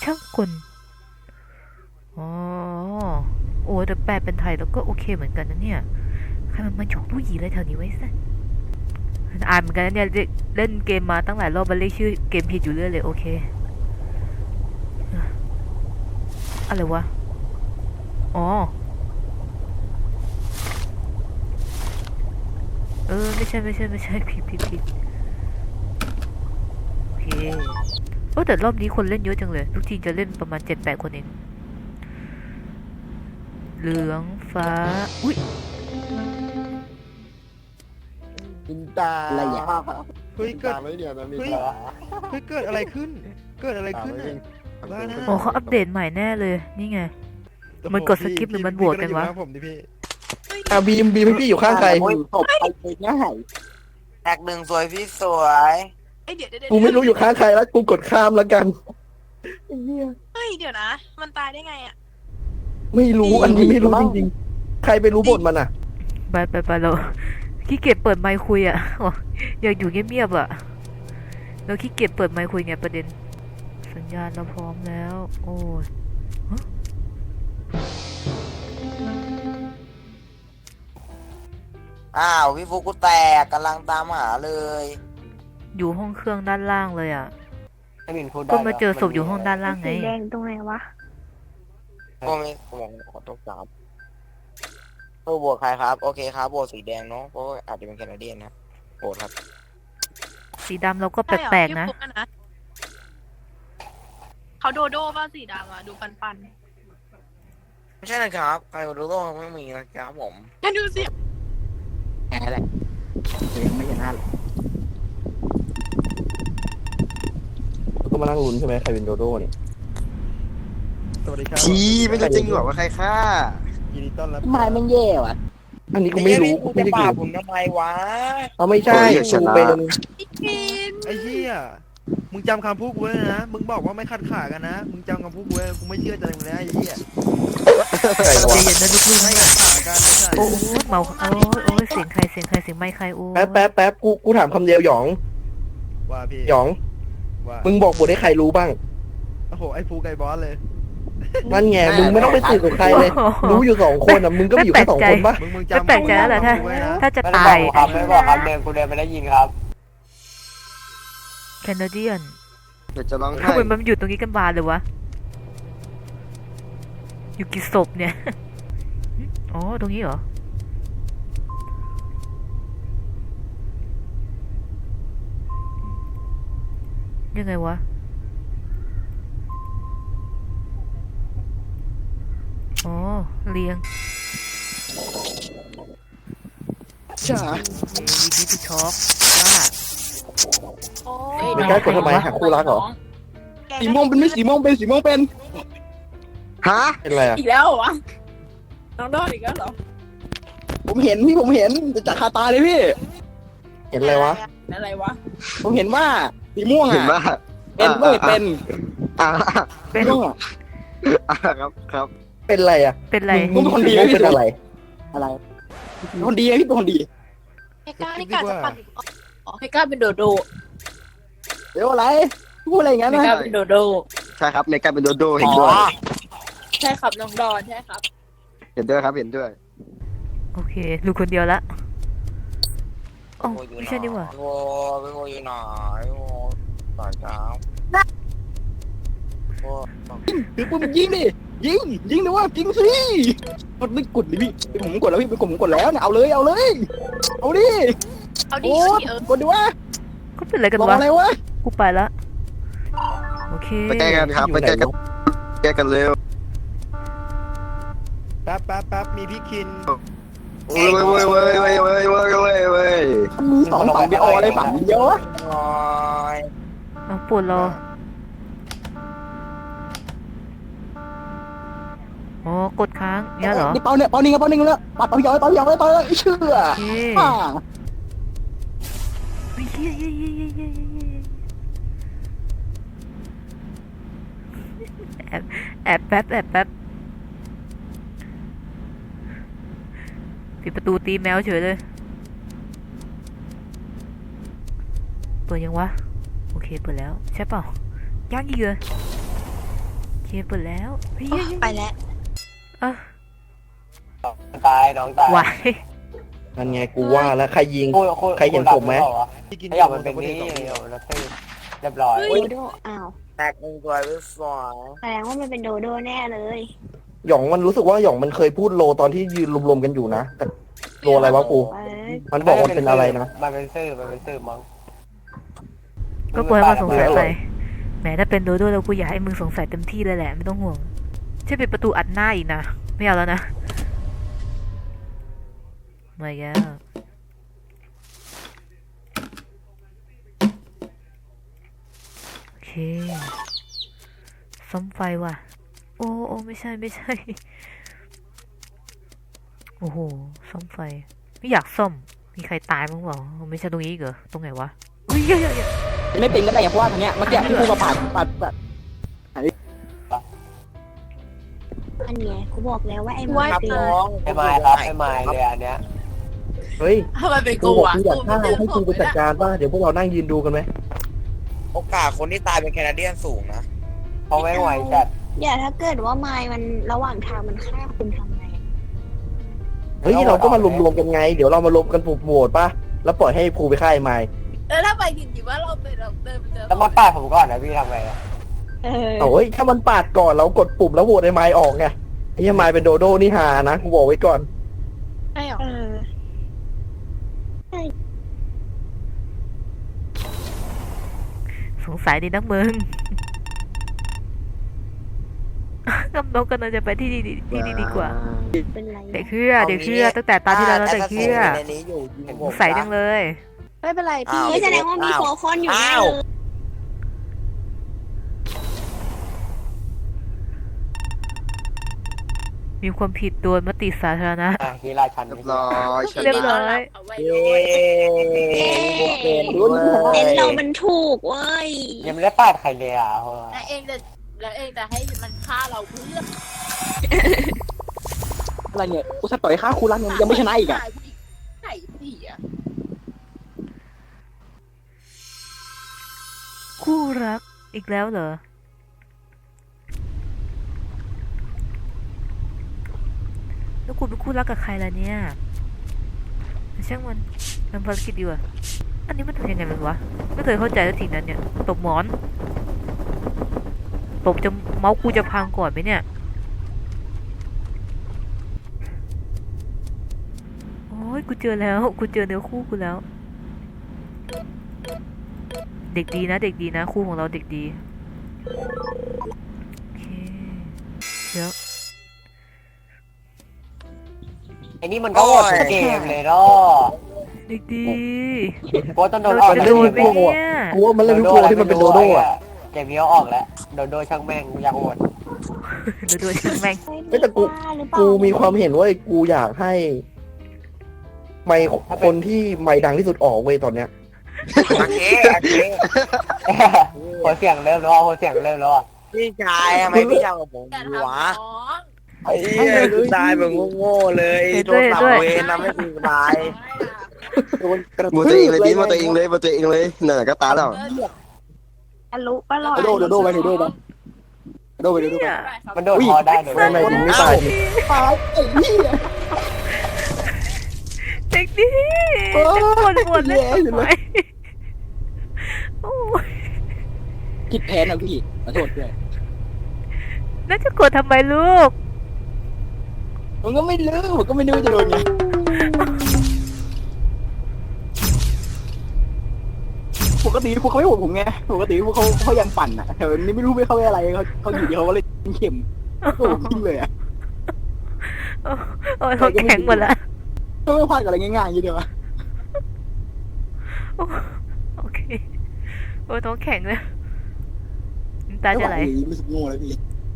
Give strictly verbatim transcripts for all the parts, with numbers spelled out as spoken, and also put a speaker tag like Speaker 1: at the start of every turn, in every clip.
Speaker 1: ช่างกลอ๋อโอ้แต่แปลเป็นไทยแล้วก็โอเคเหมือนกันนะเนี่ยใครมันมาหยอกลูกหยีอะไรแถวนี้ไว้ซะอ่านเหมือนกันนะเนี่ยเล่นเกมมาตั้งหลายรอบมันเรียกชื่อเกมผิดอยู่เรื่อยเลยโอเคอะไรวะอ๋อเออไม่ใช่ไม่ใช่ไม่ใช่ผิดผิดผิดโอเคโอ้แต่รอบนี้คนเล่นเยอะจังเลยทุกทีจะเล่นประมาณเจ็ดแปดคนเองเหลืองฟ้าอุ้ย
Speaker 2: มินตา
Speaker 3: อะไรอ่ะ
Speaker 4: เฮ้ย
Speaker 2: มิน
Speaker 4: เกิ
Speaker 2: ตา
Speaker 4: ด
Speaker 2: ไหมเนี่ยนะมิน
Speaker 4: เฮ้ย
Speaker 2: ตา
Speaker 4: เฮ้ยเกิดอะไรขึ้น เกิดอะไรขึ้น
Speaker 2: ตา
Speaker 4: อ่ะ
Speaker 2: ไม่
Speaker 4: บ้านะ
Speaker 1: โอ้เขาอัปเดตใหม่แน่เลยนี่ไง มันกดสกิปหรือมันโหวตกันวะ
Speaker 4: พี่ผมดิพี่
Speaker 3: อ่ะบีมบีมพี่อยู่ข้างใคร
Speaker 2: โอ้ย
Speaker 3: ตบไปง่าย
Speaker 5: แท็กหนึ่งสวยพี่สวย
Speaker 6: เอ้ยเดี๋ยวเดี๋ยว
Speaker 3: กูไม่รู้อยู่ข้างใครแล้วกูกดข้ามแล้วกันไอ้เหี้ย
Speaker 6: เฮ้ยเดี๋ยวนะ มันตายได้ไงอ่ะ
Speaker 3: ไม่รู้อันนี้ไม่รู้จริงๆใครไปรู้บทมันอ่ะ
Speaker 1: ไปไปไปเราขี้เกียจเปิดไมค์คุยอ่ะอยากอยู่เงียบๆอ่ะเราขี้เกียจเปิดไมค์คุยไงประเด็นสัญญาณเราพร้อมแล้วโอ้ย
Speaker 5: อ้าวพี่ฟุกกูแตกกำลังตามหาเลย
Speaker 1: อยู่ห้องเครื่องด้านล่างเลยอ่ะ
Speaker 2: ไอ้มินพูดได้
Speaker 1: ก็มาเจอศพอยู่ห้องด้านล่างไง
Speaker 7: สีแดงตรงไหนวะ
Speaker 5: ก็ไม่ผมขอโทษครับโอ้โหวตใครครับโอเคครับโหวตสีแดงเนาะเพราะว่าอาจจะเป็นแคนาเดียนนะโหวตครับ
Speaker 1: สีดำเราก็แ
Speaker 6: ใช่เหรอ
Speaker 1: ปลกๆนะ
Speaker 6: พี่ฟุ๊กนะเขาโดโด้ป่ะสีดำอ่ะ ดูปันปัน
Speaker 5: ไม่ใช่นะครับใครรู้โลกไม่มีนะครับผม
Speaker 6: ๆงั้นดูสิ
Speaker 3: แหมแหละยังไม่เห็นหน้าเลยแล้วก็มานั่งลุ้นใช่ไหมใครเป็นโดโด้เนี่ย
Speaker 4: สวัสดีครับ
Speaker 2: ชี้ไม่รู้จริงหรอว่าใครฆ่า
Speaker 4: ยินดีต้อนรับ
Speaker 3: ทำไมมันแย่วะอันนี้กูไม่รู้กู
Speaker 5: ไม่
Speaker 3: ไม่
Speaker 5: ได้
Speaker 3: ได้
Speaker 5: ป่า
Speaker 3: ดู
Speaker 5: ผมทำไมวะ
Speaker 3: เอาไม่ใช่
Speaker 2: โอ้ยช
Speaker 3: กู
Speaker 2: นะ
Speaker 3: เป็น
Speaker 6: พี่กิน
Speaker 4: ไอ้เหี้ยมึงจำคำพูดกูไว้เลยนะ มึงบอกว่าไม่ขัดขากันนะ มึงจำคำพูดกูไว้กูไม่เชื่อใจมึงแล้วไอ้เหี้ย
Speaker 3: ใคร
Speaker 1: ใจ
Speaker 3: วะ
Speaker 1: เย็นนะลูกๆ
Speaker 4: ไม่
Speaker 1: นะ
Speaker 4: ขัดขากันไม่ใช่
Speaker 1: โอ้ยเมาโอ้ยโอ้ยเสียงใครเสียงใครเสียงไมค์ใครโอ้ย
Speaker 3: แป๊บแป๊บแป๊บกูกูถามคำเดียวหยอง
Speaker 4: ว่าพี่
Speaker 3: หยอง
Speaker 4: ว่า
Speaker 3: มึงบอกบทให้ใครรู้บ้าง
Speaker 4: โอ้โหไอ้ฟูไก่บอสเลย
Speaker 3: นั่นไงมึงไม่ต้องไปสืบกับใครเลย รู้อยู่สองคนอ่ะมึงก็มีอยู่แค่สองคนปะ
Speaker 4: มึงมึง
Speaker 1: ไม่
Speaker 4: จำ
Speaker 1: แปลกใจแล้วแหละถ้า
Speaker 4: คำพูดไว้นะ
Speaker 1: ถ้าจะ
Speaker 5: ไม่ได้
Speaker 1: ตา
Speaker 5: บอย กครับไม่ได้บอกครับเดินกูเดินไปได้ยินครับ
Speaker 1: แคนาเดียน
Speaker 2: เดี๋ยวจะร้องไห้
Speaker 1: ทำไมมันอยู่ตรงนี้กันบานเลยวะอยู่กี่ศพเนี่ยอ๋อตรงนี้เหรอยังไงวะอ๋อเรียง
Speaker 3: จ้า
Speaker 1: เอวีดีทูช็อกว่า
Speaker 6: โอ้
Speaker 3: ไม่กล้ากดทำไมหาคู่รักเหรอ
Speaker 6: แก
Speaker 3: สีม่วงเป็นไม่สีม่วงเป็นสีม่วงเป็น
Speaker 2: ฮะ
Speaker 3: เป็นอะไรอ่ะ
Speaker 7: อีกแล้วเหรอวะ น้องโดนอีกแล้วเหรอ
Speaker 3: ผมเห็นพี่ผมเห็นจะคาตาเลยพี่ เห็นอะไรวะ
Speaker 7: อะไรวะ
Speaker 3: ผมเห็นว่าสีม่วง
Speaker 2: เห็น
Speaker 3: อ่ะ
Speaker 2: ว่า
Speaker 3: เป็นเว้ยเป็น
Speaker 2: อ่า
Speaker 1: เป็น
Speaker 3: ม่วงอะ
Speaker 2: อ่าครับครับ
Speaker 3: เป็นอะไรอ่ะ
Speaker 1: เป็นไร
Speaker 3: มึงเป็นคนดีเป็นอะไร อะไรเป็นคนดีอะพี่เป็นคนดี
Speaker 6: แกกล้านี่กล้าจะปั่นอีกอ๋อ
Speaker 7: ไม่กล้าเป็นโดโด
Speaker 3: เดี๋ยวอะไรพูดอะไรอย่างนั้น
Speaker 7: ไม่
Speaker 3: นะ
Speaker 7: กล้าเป็นโดโด
Speaker 2: ใช่ครับในการเป็นโดโดเห็
Speaker 5: อ๋
Speaker 2: น
Speaker 5: อ
Speaker 2: ด้วย
Speaker 7: ใช่ครับน้องดอนใช่ครับ
Speaker 2: เห็นด้วยครับเห็นด้วย
Speaker 1: โอเคลูกคนเดียวละอ๋อ
Speaker 5: โอ้ยอยู่
Speaker 1: ไม่
Speaker 5: ไหน
Speaker 1: ใช่นี่หว่า
Speaker 5: โอ้ยโอ้ยอยู่ไหนโอ้ยตายเช้าโอ้ย
Speaker 3: ถือปืนยิงดิยิงยิงนะว่ายิงสิกดไม่กดเลยพี่ผมกดแล้วพี่ไปกดผมกดแล้วเนี่ยเอาเลยเอาเลยเอาดิ
Speaker 6: เอาดิ
Speaker 3: โอ้
Speaker 6: เอาดิเออก
Speaker 3: ดดิวะ
Speaker 1: ก็เป็นอะไรกัน
Speaker 3: บอก
Speaker 1: วะ
Speaker 3: อะไรวะ
Speaker 1: กูไปละโอเค
Speaker 2: ไปแก้กันครับไปแก้กันแก้กันเร็ว
Speaker 4: แป๊บแป๊บแป๊บมีพี่คิน
Speaker 2: เว้ยเว้ยเว้ยเว้ยเว้ยเว้ยเว้ยเว้ย
Speaker 3: มีสองฝั่งไปอออะไรฝั่งเดียววะ
Speaker 5: โอ้ย
Speaker 1: เอาปวดรออ๋อกดค้างเนี่ยเหรอ
Speaker 3: นี่เปาเนี่ยเปานี่ไงเปานี่ไงแล้วปัดเปาหยอยเปาหยอยเปาหยอยเชื่อ
Speaker 1: โอเค
Speaker 3: อ่า
Speaker 1: เฮ้ยเฮ้ยเฮ้ยเฮ้ยเฮ้ยเฮ้ยแอบแอบแป๊บแอบแป๊บปิดประตูตีแมวเฉยเลยเปิดยังวะโอเคเปิดแล้วใช่เปล่ายังอีกเหรอเคเปิดแล้วเฮ้ย
Speaker 6: โอ๊ยไปแล้ว
Speaker 1: อ่ะ
Speaker 5: ตายน้องตาย
Speaker 1: ไหว
Speaker 3: นั่นไงกูว่าแล้วใครยิง
Speaker 5: พูดพูด
Speaker 3: ใครเห็นผมไหม
Speaker 4: ที่กิน
Speaker 5: ขยับมันเป็นนี่เดี๋ยวแล้วคือเรียบร้อย
Speaker 7: โดโดอ้าว
Speaker 5: แตกหนึ่งตัวไปสอง
Speaker 7: แสดงว่ามันเป็นโดโดแน่เลย
Speaker 3: หยองมันรู้สึกว่าหยองมันเคยพูดโลตอนที่ยืนรวมๆกันอยู่นะแต่โลอะไรวะกู
Speaker 7: เอ้ย
Speaker 3: มันบอกมันเป็นอะไรนะ
Speaker 5: มันเป็นซื่อมันเป็นซื่อมั้ง
Speaker 1: ก็ปล่อยให้มันสงสัยไปแหมถ้าเป็นโดโดแล้วกูอยากให้มึงสงสัยเต็มที่เลยแหละไม่ต้องห่วงใช่ปิดประตูอัดหน้าอีกนะไม่เอาแล้วนะไม่แล้วโอเคซ่อมไฟว่ะโอ้โอ้ไม่ใช่ไม่ใช่โอ้โหซ่อมไฟไม่อยากซ่อมมีใครตายมั้งเปล่าไม่ใช่ตรงนี้อีกเหรอตรงไหนวะอุ้ยเยอะๆ
Speaker 3: ไม่เป็นก็ได้เพราะว่าตรงเนี้ยเมื่อกี้ที่กูมาปาดปาดปาด
Speaker 7: อันเนี้ยกูบอกแล้วว่าไอ้
Speaker 6: ว่า
Speaker 7: มันเป็น
Speaker 5: น้องไอ้ไม้ครับไอ้ไม้เลยอันเนี้ย
Speaker 3: เฮ้ย
Speaker 6: ทำไมเป็น
Speaker 3: กู
Speaker 6: กู
Speaker 3: บอก
Speaker 6: อ่ะ
Speaker 3: กูอยากฆ่าให้กูไปจัดการป่ะเดี๋ยวพวกเรานั่งยืนดูกันไหม
Speaker 5: โอกาสคนที่ตายเป็นแคนาเดียนสูงนะเพราะไม่ไหวจัด
Speaker 7: เดี๋ยวถ้าเกิดว่าไม้มันระหว่างทางมันฆ่าคุณทำไง
Speaker 3: เฮ้ยเราก็มารวมๆกันไง เดี๋ยวเรามารวมกันปลุกโหวตป่ะแล้วปล่อยให้ภูไปฆ่าไอ้ไม้
Speaker 6: แล้วถ้าไปจริงๆว่าเราเป็นเราเดินไปเจอ
Speaker 5: แล้วมาปาดผมก่อนนะพี่ทำไงอะ
Speaker 7: เออ
Speaker 3: โอ้ยถ้ามันปาดก่อนเรากดปุ่มแล้วโหวตไอ้ไม้ออกไงไอ้ไม้เป็นโดโดนี่ฮานะกูบอกไว้ก่อน
Speaker 6: ใช่หรอ
Speaker 7: เออ
Speaker 1: สงสัยดีนักมึง กำนงกำลังจะไปที่ดีที่ดีดีกว่า
Speaker 7: เป็นไร
Speaker 1: เด็กเชื่อเด็กเชื่อตั้งแต่ตาที่แล้วแล้วเด็กเชื่อ
Speaker 5: ในนี้อยู่
Speaker 1: สงสัยจังเลย
Speaker 6: ไม่เป็นไรพี่
Speaker 7: เฮ้ยแสดงว่ามีโคคอนอยู่แน่เลย
Speaker 1: มีความผิดโดยมติสาธารณะ
Speaker 5: อ่ะฮีราชัน
Speaker 2: เรียบร้อยเฉย
Speaker 1: เรียบร้อย
Speaker 6: เอาไว้
Speaker 5: เย้เกมด้
Speaker 7: เอ็น
Speaker 5: วย
Speaker 7: เรามันถูกเว้ย
Speaker 5: ยังไม่ได้ปาดใครเลยอ่ะ
Speaker 6: แล้วเองจะแล้วเองจะให้มันฆ่าเราเพื่อ
Speaker 3: อะไรเนี่ยกูจะต่อยฆ่าคูรันยังไม่ชนะอีกอ่ะ
Speaker 6: ไข่เสีย
Speaker 1: คู่รักอีกแล้วเหรอแล้วคุณเป็นคู่รักกับใครล่ะเนี่ยช่างมันมันภารกิจดีกว่าอันนี้มันทำยังไงมันวะไม่เคยเข้าใจสักทีนั้นเนี่ยตบหมอนตบจะเมาส์กูจะพังก่อนไหมเนี่ยโอ้ยกูเจอแล้วกูเจอเนื้อคู่กูแล้วเด็กดีนะเด็กดีนะคู่ของเราเด็กดีโอเคเดี๋ยว
Speaker 5: ไอ้นี่มันก็โหดทุกเกมเลยเนาะ
Speaker 1: เด็กดี
Speaker 5: โค้ชต้องโดนอ
Speaker 1: เรา
Speaker 5: อก
Speaker 1: จะ
Speaker 5: เล
Speaker 1: โดน
Speaker 5: ย
Speaker 1: ไหมเนี่ย
Speaker 3: กูว่ามันเล่นทุกตัวที่มันเป็นโดโดอ่ะ
Speaker 5: เกมนี้เอาออกแล้วโดโดช่างแม่งอยากโหด
Speaker 1: เดี๋ยวดูช่างแม่ง
Speaker 3: เฮ้ยแต่กู
Speaker 7: หรือเปล่า
Speaker 3: กูมีความเห็นว่ากูอยากให้ ไมค์คนที่ไมค์ดังที่สุดออกเว้ยตอนเนี้ย
Speaker 5: โอเคโอเคหัวเสียงเริ่มแล้วหัวเสียงเริ่มแล้วพี่ชายทำไมพี่ทำกับผม
Speaker 6: อย่า
Speaker 5: ดี
Speaker 6: ทำ
Speaker 5: วะ
Speaker 6: น้อง
Speaker 5: ไอ้เหี้ยกูตายแบบโง่ๆเลยโดนตับเวรทำให้กูตาย
Speaker 3: โดนกระ
Speaker 2: มือตัวเองเลยพี่มือตัวเองเลยมือตัวเองเลยนั่นน่ะก็ตายแล้ว
Speaker 7: ทะลุปะลอย
Speaker 3: โดโดโดไปโดโดไปโดไปโดโดไป
Speaker 1: เนี่ย
Speaker 5: มันโดนคอได้โดน
Speaker 3: ไม่ไม่ถึงไม่ตายดิ ตายไอ้เหี้ย
Speaker 1: เด็กดีจะปวดปวดเลย
Speaker 3: แย่อยู่เลย
Speaker 1: โอ้ย
Speaker 3: ผิดแผนนะพี่ขอโทษด้วย
Speaker 1: แล้วจะกดทำไมลูก
Speaker 3: ผมก็ไม่รู้ผมก็ไม่รู้จะโดนไงปกติพวกเขาไม่โหดผมไงปกติพวกเขาเขายังปั่นอ่ะแต่วันนี้ไม่รู้ไม่เข้าไปอะไรเขาเขาอยู่ดีเขาก็เลยเข็มโอ้โหทิ้งเลยอ่ะ
Speaker 1: โอ้ยเขาแข็งหมดละ
Speaker 3: เขาไม่พลาดกับอะไรง่ายๆอย่างนี้เดียวอะ
Speaker 1: โอเคโอ้ยท้องแข็งเลยน้ำตาจะไหล
Speaker 3: รู้สึกโง่แล้วพี่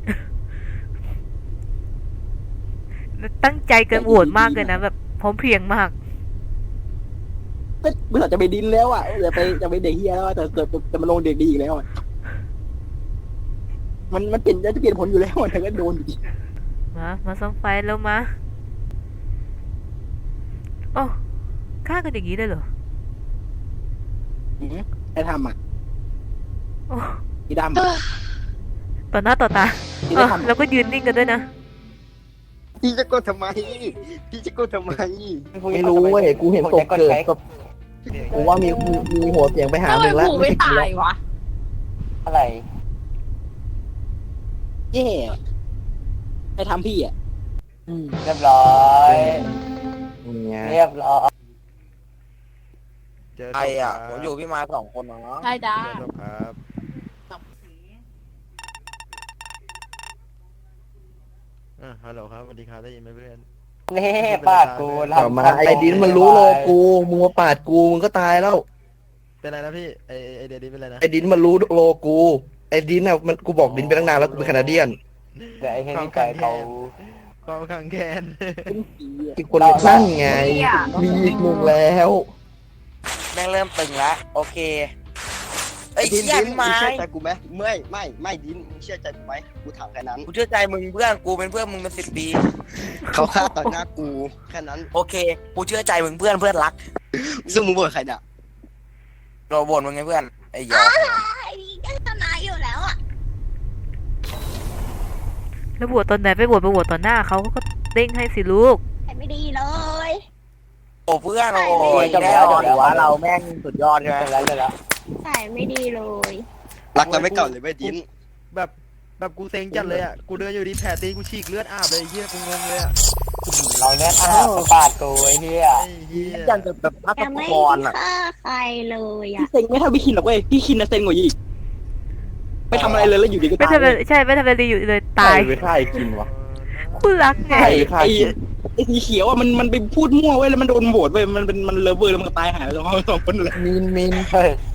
Speaker 1: ตั้งใจเกินโหวตมากเลยนะแบบพร้อมเพรียงมาก
Speaker 3: ก็เมื่อจะไปดินแล้วอ่ะจะไปจะไปเด็กเฮียแล้วแต่แต่แต่มันลงเด็กดีอีกแล้วอะมันมันเปลี่ยนจะเปลี่ยนผลอยู่แล้วแต่ก็โดนอยู่ดี
Speaker 1: มามาซ่อมไฟแล้วมาโอ้ฆ่ากันอย่างนี้ได้เหรอ
Speaker 3: ไอ้ทำอ่ะ
Speaker 1: โอ้
Speaker 3: อีดำ
Speaker 1: ต่อหน้าต่อตา
Speaker 3: อที่
Speaker 1: เอ
Speaker 3: ได้
Speaker 1: อ
Speaker 3: ทำ
Speaker 1: แล้วก็ยืนนิ่งกันด้วยนะ
Speaker 2: พี่จะกดทำไมพี่จะกดทำไม
Speaker 3: ไม่รู้เว้ยกูเห็นตกเกิดกับกูว่ามีมีมีหัวเสียงไปหา
Speaker 6: ทำ
Speaker 3: ห
Speaker 6: ไม
Speaker 3: นึ่งแล้ว
Speaker 6: ผูไม่ตายวะ
Speaker 5: อะไร
Speaker 3: เย่ไปทำพี่อ่ะอืม
Speaker 5: เรียบร้อย
Speaker 3: เนี่ย
Speaker 5: เรียบร้อย
Speaker 4: เจอ
Speaker 5: ใครอ่ะ
Speaker 4: ศพ
Speaker 5: ผ
Speaker 4: ค
Speaker 5: ม
Speaker 4: บ
Speaker 5: อยู่พี่มาสองคนเนาะ
Speaker 6: ใช่จ้า
Speaker 4: เจอศพครับอ่ะฮัลโหลครับสวัสดีครับได้ยินไหมเพื่อน
Speaker 5: นี่ปาดกู
Speaker 3: ต่อมาไอ้ดินมันรู้โลกูมึงมาปาดกูมึงก็ตายแล้ว
Speaker 4: เป็นไรนะพี่ไอไอ้ไอเดียดีเป็นไรนะ
Speaker 3: ไอ้ดินมันรู้โลกูไอ้ดินอ่ะมันกูบอกดินไปตั้งนานแล้วกูเป็นแคนาเดียน
Speaker 5: เดี๋ยวไอ้เฮนี่ไก่เขา
Speaker 4: ความขังแค้น
Speaker 3: อีกคนนั่นไง มีอีกหนึ่งแล้ว
Speaker 5: แม่งเริ่มตึงแล้วโอเคไอ้
Speaker 2: ดิน
Speaker 5: เหี้ย
Speaker 2: ดิน
Speaker 5: พี่
Speaker 2: มึง
Speaker 5: ไม้
Speaker 2: เชื่อใจกูไหมไม่ไม่ไม่ดินมึงเชื่อใจกูไหมกูถามแค่นั้น
Speaker 5: กูเชื่อใจมึงเพื่อนกูเป็นเพื่อนมึงเป็นสิบปี
Speaker 2: เขาฆ่าต่อหน้ากูแค่นั้น
Speaker 5: โอเคกูเชื่อใจมึงเพื่อนเพื่อนรัก
Speaker 2: ซึ่งมึงบอกใครเนี่ย
Speaker 5: เราบ่นมึงไงเพื่อนไอ้หยอก
Speaker 7: ไอ้นี่ก็ชนะอยู่แล้วอ่ะ
Speaker 1: แล้วบวชตอนไหนไปบวชไปบวชตอนหน้าเขาก็เด้งให้สิลูก
Speaker 7: แต่ไม่ดีเลย
Speaker 5: โอ้เพื่อนโอ้ยแน่นอนว่าเราแม่งสุดยอดใช่ไหมแล้วเลยแล้ว
Speaker 7: ใส่ไม่ดีเลย
Speaker 2: รักกันไม่เก่าเลยไม่ดิน
Speaker 4: แบบแบบกูเซ็งจัดเลยอ่ะกูเดินอยู่ดีแผลตีนกูฉีกเลือดอาบเลยไอ้เหี้ยกูงงเลยอ่ะ
Speaker 5: เราเนี่ยอ้าวปาดกูไอ้เหี้ย
Speaker 4: ไอ้เหี้ย
Speaker 5: ยันแบบพัก
Speaker 7: แต่ไม่
Speaker 5: พรอ่ะ
Speaker 7: ฆ่าใครเลยอ่ะ
Speaker 3: พี่เซ็งไม่เท่าพี่คินหรอกเว้ยพี่คินนะเซ็งกว่าอีกไม่ทำอะไรเลยแล้วอยู่ดีก็
Speaker 1: ไม่
Speaker 3: ตาย
Speaker 1: ทำอะไรใช่ไม่ทำอะไรอยู่เลยตาย
Speaker 3: ไปฆ่าไอ้คินวะ
Speaker 1: คู่รักไง
Speaker 3: ไอ้ไอ้ไอ้สีเขียวอ่ะมันมันไปพูดมั่วเว้ยแล้วมันโดนโหวตเว้ยมันเป็นมันเลเวอร์แล้วมันก็ตายหายไปสองสองคนเลย
Speaker 5: มินมินเฮ้ย